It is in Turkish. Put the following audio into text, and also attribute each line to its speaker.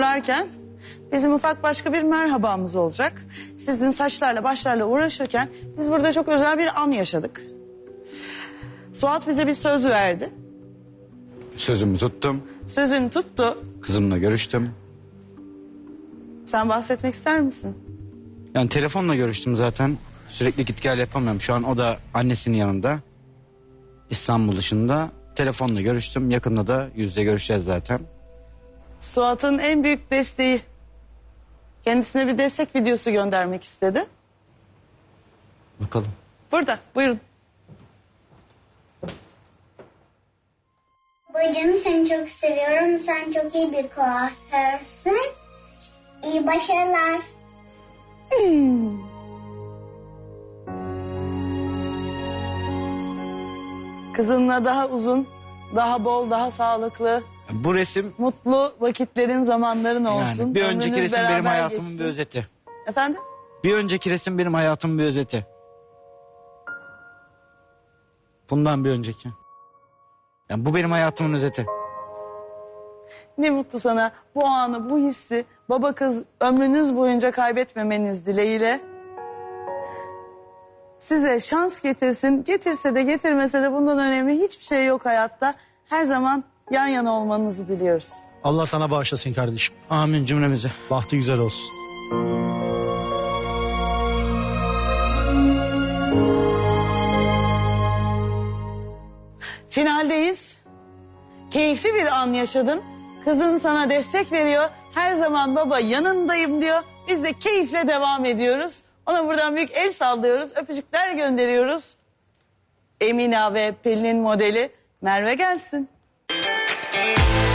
Speaker 1: hazırlarken bizim ufak başka bir merhabamız olacak. Siz dün saçlarla başlarla uğraşırken biz burada çok özel bir an yaşadık. Suat bize bir söz verdi.
Speaker 2: Sözümü tuttum.
Speaker 1: Sözünü tuttu.
Speaker 2: Kızımla görüştüm.
Speaker 1: Sen bahsetmek ister misin?
Speaker 2: Yani telefonla görüştüm zaten. Sürekli git gel yapamıyorum. Şu an o da annesinin yanında. İstanbul dışında. Telefonla görüştüm. Yakında da yüzle görüşeceğiz zaten.
Speaker 1: Suat'ın en büyük desteği. Kendisine bir destek videosu göndermek istedi.
Speaker 2: Bakalım.
Speaker 1: Burada, buyurun.
Speaker 3: Babacığım seni çok seviyorum. Sen çok iyi bir kuaförsün. İyi başarılar.
Speaker 1: Kızınla daha uzun, daha bol, daha sağlıklı,
Speaker 2: Bu resim
Speaker 1: mutlu vakitlerin, zamanların olsun.
Speaker 2: yani bir önceki
Speaker 1: Ömrünüz
Speaker 2: resim benim
Speaker 1: beraber
Speaker 2: hayatımın
Speaker 1: geçsin.
Speaker 2: bir özeti.
Speaker 1: Efendim?
Speaker 2: Bir önceki resim benim hayatımın bir özeti. Bundan bir önceki. Yani bu benim hayatımın özeti.
Speaker 1: Ne mutlu sana bu anı, bu hissi baba kız ömrünüz boyunca kaybetmemeniz dileğiyle. Size şans getirsin. Getirse de getirmese de bundan önemli hiçbir şey yok hayatta. Her zaman yan yana olmanızı diliyoruz.
Speaker 4: Allah sana bağışlasın kardeşim.
Speaker 2: Amin cümlemize.
Speaker 4: Bahtı güzel olsun.
Speaker 1: Finaldeyiz. Keyifli bir an yaşadın. Kızın sana destek veriyor. Her zaman baba yanındayım diyor. Biz de keyifle devam ediyoruz. Ona buradan büyük el sallıyoruz. Öpücükler gönderiyoruz. Emine ve Pelin'in modeli Merve gelsin.